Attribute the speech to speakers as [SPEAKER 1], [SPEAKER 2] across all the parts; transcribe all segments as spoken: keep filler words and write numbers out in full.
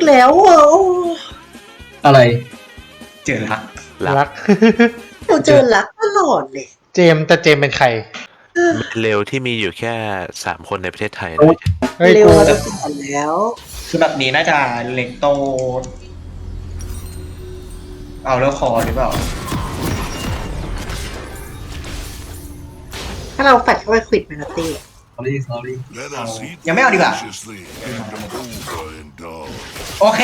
[SPEAKER 1] แล้วอ่ะ
[SPEAKER 2] อะไร
[SPEAKER 3] เจอรัก
[SPEAKER 4] รัก
[SPEAKER 1] เราเจอรักตลอดเลย
[SPEAKER 4] เจมส์แต่เจมส์เป็นใคร
[SPEAKER 5] เร็วที่มีอยู่แค่สามคนในประเทศไทยนะ
[SPEAKER 4] เฮ้ย
[SPEAKER 1] เร็ว
[SPEAKER 4] กู
[SPEAKER 1] เราจะสอนแล้ว
[SPEAKER 3] คือแบบนี้น่าจะเล็กโตเอาแล้วคอหรือเปล่า
[SPEAKER 1] ถ้าเราแฟดเข้าไปควิดแมนตี้
[SPEAKER 2] sorry sorry
[SPEAKER 3] ยังไม่เอาดีกว่าโอเค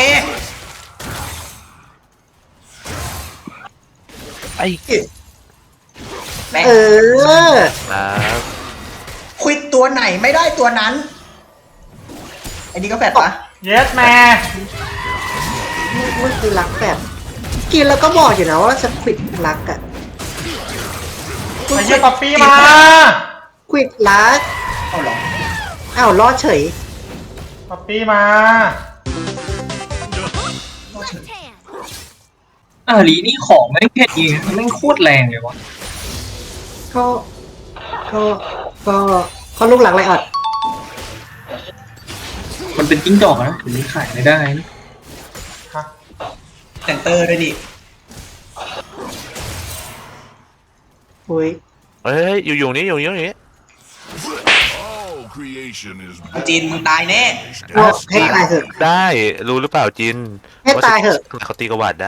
[SPEAKER 5] ไอ้
[SPEAKER 3] แม่ง
[SPEAKER 1] เออ
[SPEAKER 5] ครับ
[SPEAKER 3] ควิดตัวไหนไม่ได้ตัวนั้นไอ้นี่ก็แฟดปะ
[SPEAKER 4] เยสแม่
[SPEAKER 1] มันคือรักแบบกินแล้วก็บอกอยู่นะว่าจะควิดรักอะ
[SPEAKER 4] ไอ้เหี้ยป๊อปปี้มา
[SPEAKER 1] ควิดรัก
[SPEAKER 3] เอาเหรอ
[SPEAKER 1] อ้าวรอดเฉย
[SPEAKER 4] ป๊อปปี้มา
[SPEAKER 2] อ่าลีนี่ของไม่เผ็ดเองแม่งโคตรแรงเลยวะ
[SPEAKER 1] ก็ก็ก็เขาลูกหลังไรออด
[SPEAKER 2] มันเป็นจิ้งจอกนะถึงนี้ขายไม่ได้นะ
[SPEAKER 4] ฮะ
[SPEAKER 3] เซนเตอร์ด้วยดิ
[SPEAKER 1] อุ้ย
[SPEAKER 5] เฮ้ยอยู่อยู่นี้อยู่อยู่นี้
[SPEAKER 3] จีนมึงตายแน่
[SPEAKER 1] ว่าให้ตายเถอะ
[SPEAKER 5] ได้รู้หรือเปล่าจิน
[SPEAKER 1] ให้ตายเถอะ
[SPEAKER 5] ว่าเขาตีกระวาดได้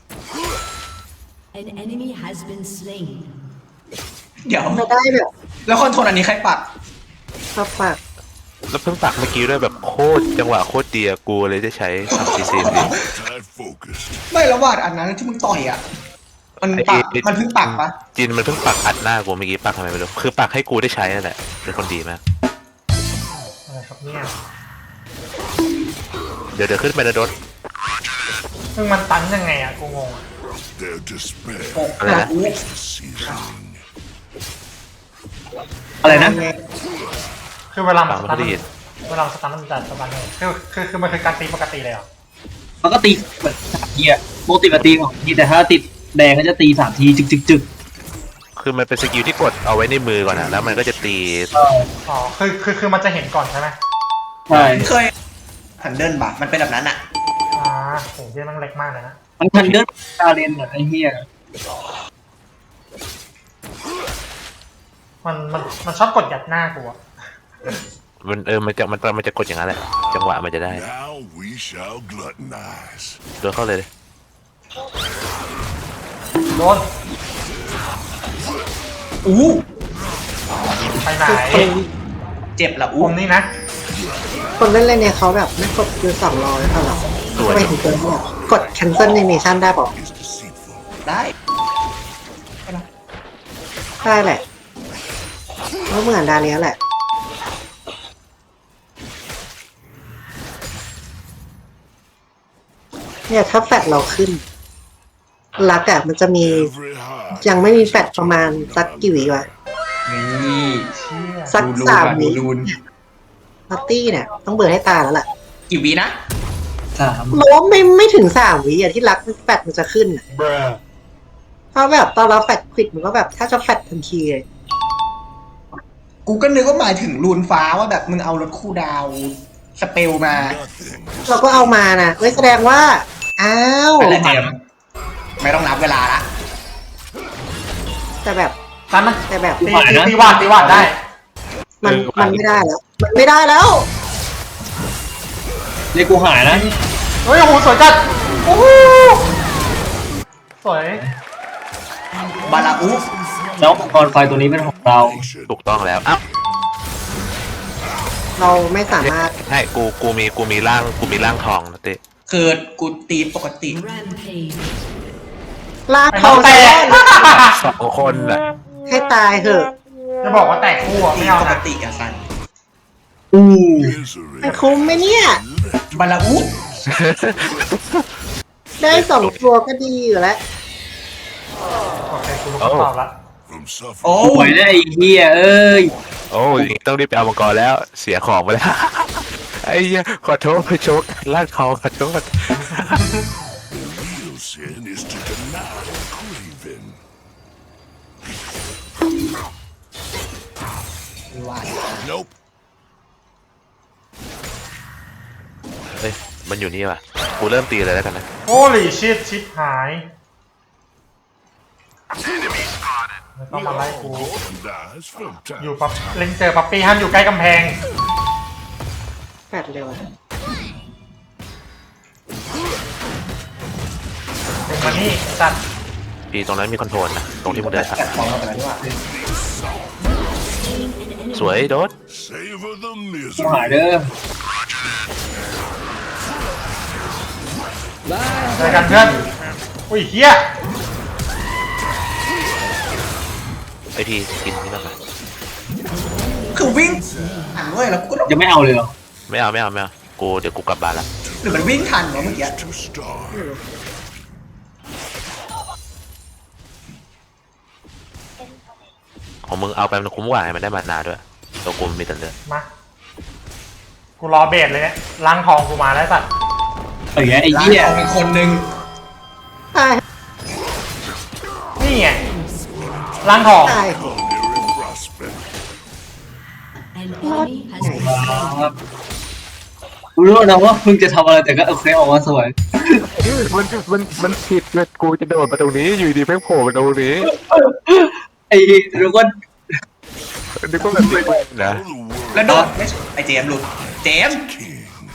[SPEAKER 6] An enemy has been slain.
[SPEAKER 3] เดี๋ยว
[SPEAKER 1] ไม่ได้แบบ
[SPEAKER 3] แล้วคอนโทรลอันนี้ใครปัด
[SPEAKER 1] ปากปาก
[SPEAKER 5] แล้วเพิ่งปักเมื่อกี้ด้วยแบบโคตรจังหวะโคตรเดียกูเลยจะใช้ทำซีซีดี
[SPEAKER 3] ไม่แล้ววาดอันนั้นที่มึงต่อยอ่ะ มันปักมันเพิ่งปักปะ
[SPEAKER 5] จินมันเพิ่งปักอัดหน้ากูเมื่อกี้ปักทำไมไม่รู้คือปักให้กูได้ใช้นั่นแหละเป็นคนดีมาก
[SPEAKER 4] อะไรครับเนี่ย
[SPEAKER 5] เดี๋ยวเดี๋ยวขึ้นไปนะโดด
[SPEAKER 4] ซึ่งมันตันยังไงอะกูงงอะ
[SPEAKER 7] Their despair
[SPEAKER 3] โอ้
[SPEAKER 5] อะไรนะ
[SPEAKER 3] โห
[SPEAKER 7] is the seasoning.
[SPEAKER 2] อะไรนะ
[SPEAKER 4] คือเวลามั
[SPEAKER 5] ปั
[SPEAKER 4] น
[SPEAKER 5] ก
[SPEAKER 4] ส
[SPEAKER 5] มัน
[SPEAKER 4] ตัน
[SPEAKER 5] ก็ดี
[SPEAKER 4] เวลามันสตันมันจะสตันเลยคือคือคือมันคือการตีปกติเลยเหรอ
[SPEAKER 2] มันก็ตีแบบสามทีอะปกติมันตีของทีแต่ถ้าติดแดงก็จะตีสามทีจึกจึกจึก
[SPEAKER 5] คือมันเป็นสกิลที่กดเอาไว้ในมือก่อนนะแล้วมันก็จะตี
[SPEAKER 4] อ๋อคือคือคือมันจะเห็นก่อนใช่ไหม
[SPEAKER 2] ใช่
[SPEAKER 3] เคยทันเดิลปะมันเป็นแบบนั้นอ่ะ
[SPEAKER 4] อ่าโหเหี้ยมันเล็กมากเลยนะ
[SPEAKER 2] มันทันเดินตาเลนอะไอ้เหี้ย
[SPEAKER 4] มันมันมันชอบกดยัดหน้ากูอะ
[SPEAKER 5] มันเออมันจะมันมันจะกดอย่างนั้นแหละจังหวะมันจะได้
[SPEAKER 7] Now we shall gluttonize.
[SPEAKER 5] โดนเข้าเลย
[SPEAKER 4] โดน
[SPEAKER 3] อู้
[SPEAKER 4] ไปไหน
[SPEAKER 3] เจ็บละ
[SPEAKER 4] ผ
[SPEAKER 3] อู้
[SPEAKER 4] มนี่นะ
[SPEAKER 1] คนเล่นเล่นเนี่ยเขาแบบไม่กดยูสองร้อยเท่าไหร่ทำไมถึงเกินแบบกด cancel animation ได้ปะ
[SPEAKER 7] Is deceitful.
[SPEAKER 3] ได้
[SPEAKER 1] ได้แหละเพราะเหมือนดาเลียแหละ เนี่ยถ้าแฟดเราขึ้นลักอะมันจะมี
[SPEAKER 7] Every heart
[SPEAKER 1] ยังไม่มีแฟดประมาณสักกี่วิวะ
[SPEAKER 3] นี่
[SPEAKER 4] เชี่ย
[SPEAKER 1] สัก
[SPEAKER 3] ดู
[SPEAKER 1] สาม
[SPEAKER 3] ดู
[SPEAKER 1] วิ
[SPEAKER 3] รูน
[SPEAKER 1] ปาร์ตี้เนี่ย ต้องเบิร์ให้ตาแล้วล่ะ
[SPEAKER 3] กี่วินะ
[SPEAKER 2] สาม
[SPEAKER 1] โน้มไม่ไม่ถึงสามวิอะที่ลักแฟดมันจะขึ้นอะเพราะแบบตอนเราแฟดควิดมันก็แบบถ้าจะแฟดทันทีเลย
[SPEAKER 3] กูก็นึกว่าหมายถึงรูนฟ้าว่าแบบมึงเอารถคู่ดาวสเปลมา
[SPEAKER 7] nothing.
[SPEAKER 1] เราก็เอามานะเว้ยแสดงว่า อ้าว
[SPEAKER 3] อะไรเจมส์ไม่ต้องนับเวลาละ
[SPEAKER 1] แต่แบบ
[SPEAKER 4] ตันมัน
[SPEAKER 1] แต่แบบ
[SPEAKER 4] ตีตีตีวาดตีวาดได้
[SPEAKER 1] มันมันไม่ได้แล้ว มันไม่ได้แล้ว
[SPEAKER 2] เรียกกูหายนะ
[SPEAKER 4] เฮ้ยโอ้โหสวยจัดโอ้โหสวย
[SPEAKER 3] บาลาอุ
[SPEAKER 2] แล้วอุปกรณ์ไฟตัวนี้เป็นของเรา
[SPEAKER 5] ถูกต้องแล้วอ้าว
[SPEAKER 1] เราไม่สามารถ
[SPEAKER 5] ใช่กูกูมีกูมีร่างกูมีร่างทองนะเต้
[SPEAKER 3] คือกูตีปกติ
[SPEAKER 6] Rampage.
[SPEAKER 1] ลาก
[SPEAKER 4] ไอ้
[SPEAKER 1] ท
[SPEAKER 4] น้
[SPEAKER 1] อ
[SPEAKER 4] อง
[SPEAKER 1] ง
[SPEAKER 4] แต
[SPEAKER 1] จะ
[SPEAKER 4] ก
[SPEAKER 5] สองคนน่ะ
[SPEAKER 1] ให้ตายเถอะ
[SPEAKER 4] จะบอกว่าแตกคู่อะ
[SPEAKER 3] ตี
[SPEAKER 4] ไม่เอา
[SPEAKER 3] ปก
[SPEAKER 4] นะ
[SPEAKER 3] ติอะสัน
[SPEAKER 2] อู้
[SPEAKER 7] Misery.
[SPEAKER 1] มันคุ้มไหมเนี่ย
[SPEAKER 3] บาลาอุ
[SPEAKER 1] ได้สองตัวก็ดีอยู่แล้ว
[SPEAKER 4] โอเคกูรู้คำตอบละ
[SPEAKER 7] From
[SPEAKER 3] โอ้
[SPEAKER 7] suffering.
[SPEAKER 2] สวยได้ไอ้เหี้ยเอ้ย
[SPEAKER 5] โอ้ยต้องรีบไปเอามังกรแล้วเสียของไปแล้ว ไอ้เหี้ยขอโทษไปโชกร่างทองขอโทษ
[SPEAKER 7] Real sin is to deny craving.
[SPEAKER 3] ว่า
[SPEAKER 7] Nope.
[SPEAKER 5] เฮ้ยมันอยู่นี่ว่ะกูเริ่มตีเลยแล้วกันนะ
[SPEAKER 4] โอ้ลิชิตชิปหายไม่ต้องมาไล่กู
[SPEAKER 7] And dies from
[SPEAKER 4] อยู่
[SPEAKER 7] time.
[SPEAKER 4] ปั๊บเล็งเจอปั๊ปปี้ห้ามอยู่ใกล้กำแพง
[SPEAKER 1] แฟดเร็วอะ
[SPEAKER 4] เด็กมานี่จัด
[SPEAKER 5] พี่ตรงนั้นมีคอนโทรลนะตรงที่มึงเดินผ่าน
[SPEAKER 3] แต่ฟองเราไปแล้วนี่หว่า
[SPEAKER 5] สวยโดด
[SPEAKER 7] Savor the
[SPEAKER 2] กูหาย
[SPEAKER 7] misery.
[SPEAKER 2] เด้อ
[SPEAKER 4] เจอกันเพื่อนอุ้ยเฮีย
[SPEAKER 5] ไอพี่กินนี่นั่นไป
[SPEAKER 3] คือวิ่งอ่านเว้ยแล้วกูก็ต้อง
[SPEAKER 2] ยังไม่เอาเลยเหรอ
[SPEAKER 5] ไม่เอาไม่เอาไม่เอากูเดี๋ยวกูกลับบ้านละ
[SPEAKER 3] หรือมันวิ่งทันวะเมื่อกี้
[SPEAKER 7] To starve.
[SPEAKER 5] ของมึงเอาไปมันคุ้มกว่าไงมันได้มานาด้วยตัวกูมันมีแต่เลือด
[SPEAKER 4] มากูรอเบสเลยเนี่ยล้างทองกูมาแล้วสัตว์
[SPEAKER 2] ไอ้เหี้ยไอ้
[SPEAKER 3] ร้าน
[SPEAKER 2] เหี้ย
[SPEAKER 3] ทองอีกคนนึง
[SPEAKER 1] ตาย
[SPEAKER 4] นี่ไงล้างทอง
[SPEAKER 1] ตาย
[SPEAKER 7] Culinary prospect.
[SPEAKER 6] An enemy has been
[SPEAKER 2] ครับกูรู้นะว่ามึงจะทำอะไรแต่ก็โอเคออกมาสวย
[SPEAKER 5] มันมันมันผิดเลยกูจะโดดมาตรงนี้อยู่ดีเพิ่งโผล่มาตรงนี้
[SPEAKER 2] ไอ้รู้ว่า
[SPEAKER 5] นึกว่าแบบนี้นะ
[SPEAKER 7] Oh, the world
[SPEAKER 3] แล้วโดดไม่ไอเจมส์หลุดเจมส์
[SPEAKER 7] king.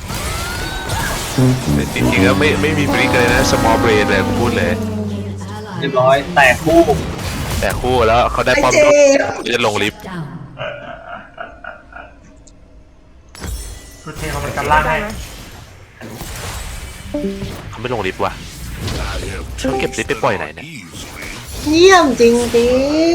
[SPEAKER 5] จริงๆแล้วไม่ไม่มีบริกเลยนะ small brain เลยกูพูดเลย
[SPEAKER 2] เรียบร้อยแตกคู่
[SPEAKER 5] แต่คู่แล้วเขาได้
[SPEAKER 3] ไอ
[SPEAKER 5] ป้อม
[SPEAKER 3] เจมส์
[SPEAKER 5] จะลงลิฟต์
[SPEAKER 6] down.
[SPEAKER 4] กูเทมันเป็นกันล่างให้
[SPEAKER 5] เขาไม่ลงลิฟต์ว่ะ
[SPEAKER 7] I have
[SPEAKER 5] เขาเก็บลิฟต์ไปปล่อยไหนเนี่ย
[SPEAKER 7] easily.
[SPEAKER 1] เยี่ยมจริงจริง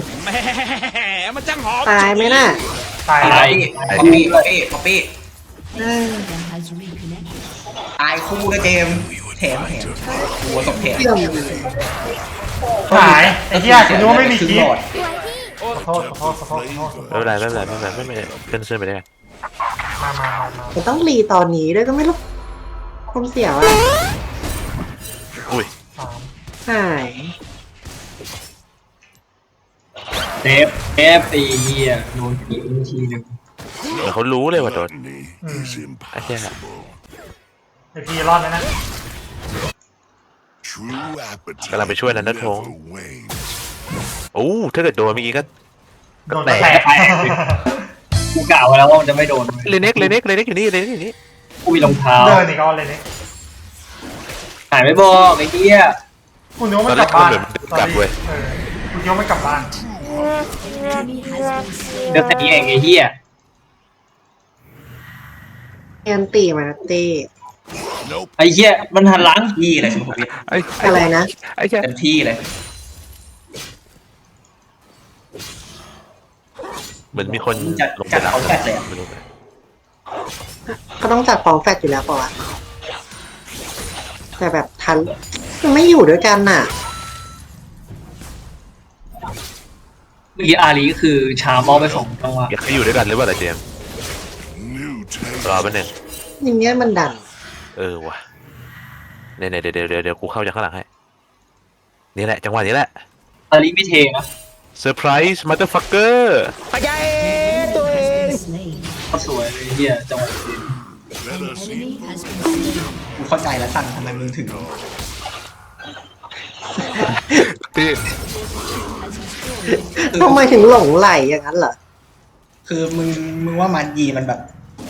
[SPEAKER 1] ตายไหมน่ะ
[SPEAKER 4] ตาย
[SPEAKER 2] ตาย
[SPEAKER 3] ป๊อปปี้ป๊อปปี้ป๊อปปี้
[SPEAKER 1] เออ
[SPEAKER 6] Has reconnected.
[SPEAKER 3] ตายคู่นะเจมส์แถมแถมหัวศพแถม
[SPEAKER 1] เยี่ยม
[SPEAKER 4] หายไอ้เหี้ยกูนึกว่าไม่มี
[SPEAKER 3] ครึ่ง
[SPEAKER 4] คี
[SPEAKER 3] หล
[SPEAKER 4] ย์
[SPEAKER 3] อด
[SPEAKER 4] ขอโทษขอโทษขอโทษขอโทษ
[SPEAKER 5] ไม่เป็นไรไม่เป็นไรไม่เป็นไรไม่เป็นไรเพื่อนเชื่อไปได้ไง
[SPEAKER 4] มามามามา
[SPEAKER 1] ผมต้องรีตอนนี้ด้วยก็ไม่รู้ผมเสียวอะ
[SPEAKER 5] อุ้ย
[SPEAKER 4] สาม
[SPEAKER 1] หาย
[SPEAKER 2] เทปเทปไอ้เหี้ยโดนผีทีหนึ่ง
[SPEAKER 5] เหมือนเขารู้เลยว่าโดด
[SPEAKER 7] Gluttony is impossible.
[SPEAKER 4] ไอพีรอดไหมนะ
[SPEAKER 7] True appetite
[SPEAKER 5] กำลังไปช่วยนันทธง
[SPEAKER 7] never wanes.
[SPEAKER 5] โอ้ถ้าเกิดโดนเมื่อกี้ก็
[SPEAKER 4] โดนแตก
[SPEAKER 2] กูกล่าวไว้แล้วว่ามันจะไม่โดน
[SPEAKER 5] เลเน็กเลเน็กเลเน็กอยู่นี่เลเน็กอยู่นี่
[SPEAKER 2] กูมีรองเท้า
[SPEAKER 4] เดินอีกก้อนเลยนี่
[SPEAKER 2] หายไม่บอกไอ้เหี้ย
[SPEAKER 4] กูนึกว่ามันกลับบ้าน
[SPEAKER 5] ตอนแรกมันกลับเว้ย
[SPEAKER 4] เออกูนึกว่ามันกลับบ้าน
[SPEAKER 6] Enemy has been
[SPEAKER 2] เดี๋ยวแต่นี้เองไอ้เหี้ย
[SPEAKER 1] แอนตีมาเต้
[SPEAKER 7] Nope.
[SPEAKER 2] ไอ้เหี้ยมันหันหลัง
[SPEAKER 3] ที่เลยสุภวิทย์
[SPEAKER 5] ไอ้
[SPEAKER 1] อะไรนะ
[SPEAKER 5] ไอ้เจ้า
[SPEAKER 3] เต็มที่เลย
[SPEAKER 5] เหมือนมีคน
[SPEAKER 3] จัด
[SPEAKER 5] ลงไป
[SPEAKER 3] จัด
[SPEAKER 5] รับ
[SPEAKER 3] เขาจัดเลยอะ
[SPEAKER 5] ไม่รู้เลย
[SPEAKER 1] ก็ต้องจัดของแฟดอยู่แล้วปะวะแต่แบบทันมันไม่อยู่ด้วยกันน่ะ
[SPEAKER 2] เมื่อกี้อารีก็คือชามอไปสองจังหวะ
[SPEAKER 5] อยากให้อยู่ด้วยกันหรือเปล่าล่ะเจมส์
[SPEAKER 7] New taste.
[SPEAKER 5] รอแป๊บนึง
[SPEAKER 1] อย่างเงี้ยมันดัน
[SPEAKER 5] เออว่ะเนี่ยเนี่ยเดี๋ยวเดี๋ยวเดี๋ยวเดี๋ยวกูเข้าจากข้างหลังให้นี่แหละจังหวะนี้แหละ
[SPEAKER 2] อารีไม่เทนะ
[SPEAKER 5] เซอร์ไพรส์มัตเตอร์ฟักเกอร์
[SPEAKER 6] slain.
[SPEAKER 2] ก็สวยเลยเหี้ยจังหวะนี้
[SPEAKER 7] Let
[SPEAKER 6] An
[SPEAKER 7] us
[SPEAKER 6] enemy
[SPEAKER 7] eat.
[SPEAKER 6] has been slain.
[SPEAKER 3] กูเข้าใจแล้วสั่นทำไมมึงถึง
[SPEAKER 5] ที่
[SPEAKER 1] ทำไมถึงหลงไหลอย่างนั้นเหรอ
[SPEAKER 3] คือมึงมึงว่ามันยีมันแบบ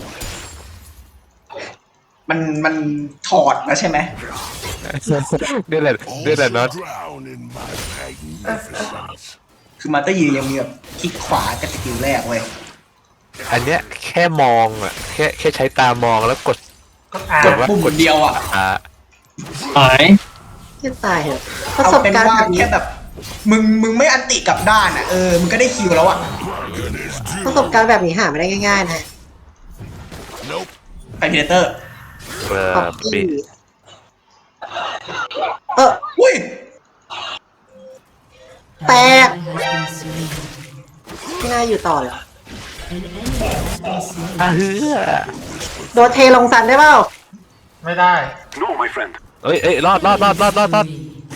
[SPEAKER 3] มันมันถอดแล้วใช่ไหม
[SPEAKER 5] นี่แหละนี่แหละ
[SPEAKER 7] Also
[SPEAKER 5] น็อต
[SPEAKER 7] drown in my magnificence.
[SPEAKER 3] คือมาเตอร์ยียังมีแบบคลิกขวากับสกิลแรกเว้ย
[SPEAKER 5] อันเนี้ยแค่มองอ่ะแค่แค่ใช้ตามองแล้วกด
[SPEAKER 4] ก็อ่าก
[SPEAKER 5] ดว่า
[SPEAKER 3] ปุ่มเดียวอ่ะ
[SPEAKER 5] อ่า
[SPEAKER 2] หาย
[SPEAKER 1] ที่ตายเหรอะประ
[SPEAKER 3] เอา
[SPEAKER 1] สบ
[SPEAKER 3] เป็น
[SPEAKER 1] การณ์
[SPEAKER 3] ว่า
[SPEAKER 1] แบบนี้
[SPEAKER 3] แค่แบบ มึงมึงไม่อันติกลับด้านอ่ะเออมึงก็ได้คิวแล้วอ่ะ
[SPEAKER 7] Bargain is
[SPEAKER 1] ประสบการณ์แบบนี้หาไม่ได้ง่ายๆนะ
[SPEAKER 7] Nope.
[SPEAKER 3] ไฟพีเตอร์
[SPEAKER 5] เออ
[SPEAKER 1] ป๊อป
[SPEAKER 5] ปี
[SPEAKER 1] ปี้เออ
[SPEAKER 3] อุ้ย
[SPEAKER 6] An
[SPEAKER 1] Bè.
[SPEAKER 6] ally has been slain.
[SPEAKER 1] ไม่น่าอยู่ต่อเหรอ
[SPEAKER 6] An enemy has been slain.
[SPEAKER 5] อ่ะเฮ้อ
[SPEAKER 1] โดนเทลงสันได้เปล่า
[SPEAKER 4] ไม่ได้
[SPEAKER 5] เอ้ยเอ้ยรอดรอดรอดรอดรอดรอด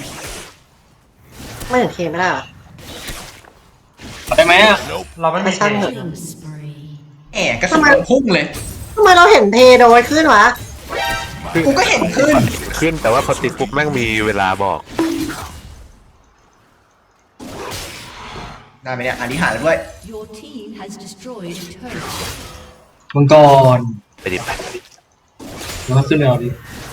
[SPEAKER 1] ไม่ถึงเคไม่ได้เหรอ
[SPEAKER 2] ได้ไหมอ่ะ
[SPEAKER 7] Nope.
[SPEAKER 4] เราไม่มี
[SPEAKER 1] ไม่ช่าง
[SPEAKER 4] เท
[SPEAKER 1] เถอะ
[SPEAKER 6] Killing spree.
[SPEAKER 3] แหมกระสุนมันพุ่งเลย
[SPEAKER 1] ทำไมเราเห็นเทโดยขึ้นวะ
[SPEAKER 3] กูก็เห็นขึ้น
[SPEAKER 5] ขึ้นแต่ว่าพอติดปุ๊บแม่งมีเวลาบอก
[SPEAKER 3] ได้ไหมเนี่ยอันนี้หาแล้วด้วย
[SPEAKER 6] Your team has destroyed a turret.
[SPEAKER 2] มังกร
[SPEAKER 5] ไปดิไป
[SPEAKER 2] แล้วก็ขึ้นไปเอาดิ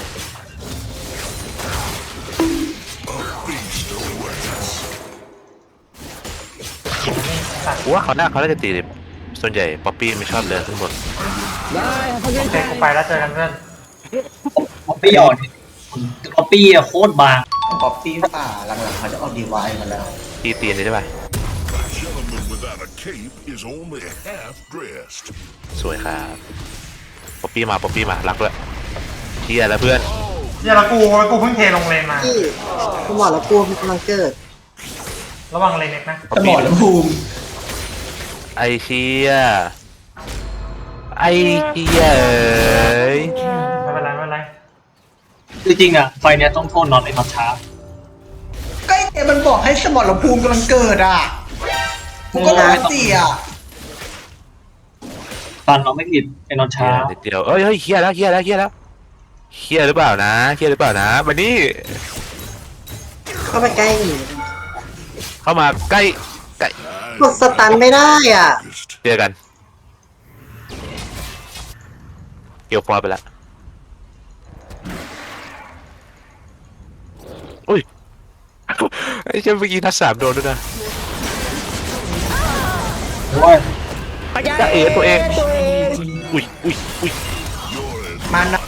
[SPEAKER 5] กูว่าเขาหน้าเขาน่าจะตีดิส่วนใหญ่ป๊อปปี้ไม่ชอบเดินขึ้นบน
[SPEAKER 4] โอเคกูไปแล้วเจอกันเพื่อน
[SPEAKER 2] ป๊อปปี้อ่อนป๊อปปี้อะโคตรบาง
[SPEAKER 3] ป๊อปปี้ป่าหลังๆเขาจะเอาดีไวมาแล้ว
[SPEAKER 5] ตีตีนได้ไหม
[SPEAKER 7] A gentleman without a cape is only half dressed.
[SPEAKER 5] สวยครับป๊อปปี้มาป๊อปปี้มารักด้วยเที่ยแล้วเพื่อน
[SPEAKER 4] เนี่ยแล้วกูกูเพิ่งเทลงเลนมา
[SPEAKER 1] ที่กูบอกแล้วกลัวมันกำลังเกิด
[SPEAKER 4] ระวังเลนเน็กนะ
[SPEAKER 3] สมอลภูมิ
[SPEAKER 5] ไอเชี่ยไอเชี่ยเอ้ย
[SPEAKER 4] ไม่เป็นไรไม่เป็นไร
[SPEAKER 2] จริงๆอะไฟเนี้ยต้องโทษน็อตไอ้น็อตช้า
[SPEAKER 3] ก็ไอ้เจมันบอกให้สมอลภูมิกำลังเกิดอ่ะกูก็ร้องเสีย
[SPEAKER 2] ตันเราไม่ผิดไอ้น็อตช้า
[SPEAKER 5] เดี๋ยวนิดเดียวเอ้ยเฮ้ยเฮียแล้วเฮียแล้วเฮียแล้วเฮียหรือเปล่านะเฮียหรือเปล่านะมานี่
[SPEAKER 1] เข้าไปใกล้หนี
[SPEAKER 5] เข้ามาใกล้ใกล้
[SPEAKER 1] กดสตันไม่ได้อ่ะ
[SPEAKER 5] เจอกันเกี่ยวฟอร์ไปแล้วอุ้ยไอ้เจ้าเมื่อกี้นัดสามโดนด้วยนะ
[SPEAKER 2] เพราะว่า
[SPEAKER 5] จะเอ๋ตัวเองอุ้ยอุ้ยอุ้ย
[SPEAKER 3] มันนะ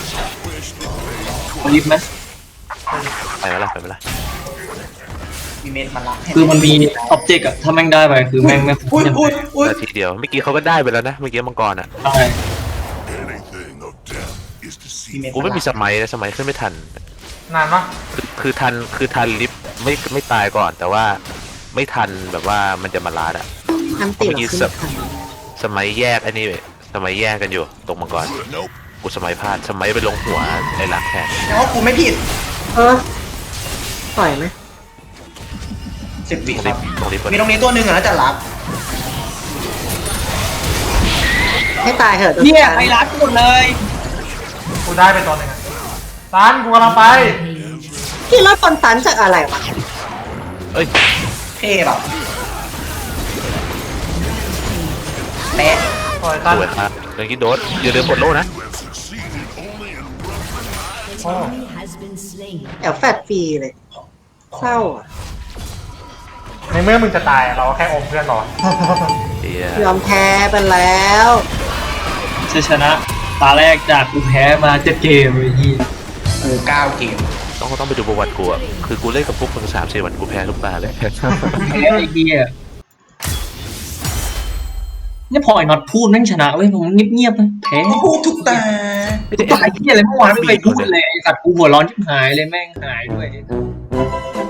[SPEAKER 2] เขาลิฟต์ไหม
[SPEAKER 5] ไปมาละไปมาละ
[SPEAKER 3] มีเมนมาละ
[SPEAKER 2] คือมันมีอ็อบเจกต์อะถ้าแม่งได้ไปคือแม่งไม่คุ้ม
[SPEAKER 3] อุ้ย
[SPEAKER 2] ยังไง
[SPEAKER 3] อุ้ยอุ้ย
[SPEAKER 5] นาทีเดียวเมื่อกี้เขาก็ได้ไปแล้วนะเมื่อกี้มังกรอ่ะ
[SPEAKER 2] ใช่
[SPEAKER 7] Anything of depth is
[SPEAKER 3] มีเม
[SPEAKER 7] deceiving.
[SPEAKER 3] น
[SPEAKER 5] กูไม่มีสมัยนะสมัยขึ้นไม่ทัน
[SPEAKER 4] นานปะ
[SPEAKER 5] คือคือทันคือทันลิฟต์ไม่ไม่ตายก่อน แต่ว่าไม่ทันแบบว่ามันจะมาลาดอ่ะ
[SPEAKER 1] อันติเราขึ้นทัน
[SPEAKER 5] สมัยแยกไอ้นี่เว้ยสมัยแยกกันอยู่ตรงมังกร
[SPEAKER 7] Nope.
[SPEAKER 5] กูสมัยพลาดสมัยไปลงหัวไอ้หลักแทน
[SPEAKER 3] เพราะกูไม่ผิด
[SPEAKER 1] เออปล่อยไหม
[SPEAKER 3] สิบวิ
[SPEAKER 5] ตรง
[SPEAKER 3] ค
[SPEAKER 5] ลิ
[SPEAKER 3] รับ
[SPEAKER 5] ฟต์ตรงลิฟต์
[SPEAKER 3] มีตรงนี้ตัวหนึ่งอ่ะแล้วจะรับ
[SPEAKER 1] ให้ตายเถอะโดน
[SPEAKER 2] เนี่ย
[SPEAKER 1] สตัน
[SPEAKER 2] ไอ้รัดหมดเลย
[SPEAKER 4] กูได้ไปตัวหนึ่งอะซันกูกำลังไป
[SPEAKER 1] พี่รอดคนตันจากอะไรวะ
[SPEAKER 5] เอ้ย
[SPEAKER 3] เท่แบบแปะ
[SPEAKER 4] ปล่อยซัน
[SPEAKER 5] สวยครับเมื่อกี้โดดอย่าลืมกดโล่นะ
[SPEAKER 7] You have succeeded only in
[SPEAKER 6] An enemy has been slain.
[SPEAKER 1] แอบแฟดฟรีเลย เศร้าอ่ะ
[SPEAKER 4] ในเมื่อมึงจะตายอะเราก็แค่อมเพื่อนรอ
[SPEAKER 5] เฮีย
[SPEAKER 1] ยอมแพ้ไปแล้ว
[SPEAKER 2] ชัยชนะ ตาแรกจากกูแพ้มาเจ็ดเกมเลยที่
[SPEAKER 3] กูเก้าเกม
[SPEAKER 5] ต้องต้องไปดูประวัติกูอ่ะคือกูเล่นกับพวกมึงสามสี่วันกูแพ้ทุกตาเลย
[SPEAKER 2] แพ้ไอ้เหี้ยเนี่ยพอไอ้น็อตพูดแม่งชนะเว้ยผมเงียบๆนะแพ้
[SPEAKER 3] กูพูดทุกตา
[SPEAKER 2] ตายเหี้ยอะไรเมื่อวานไม่เคยพูดเลยไอ้สัตว์กูหัวร้อนชิบหายเลยแม่งหายด้วย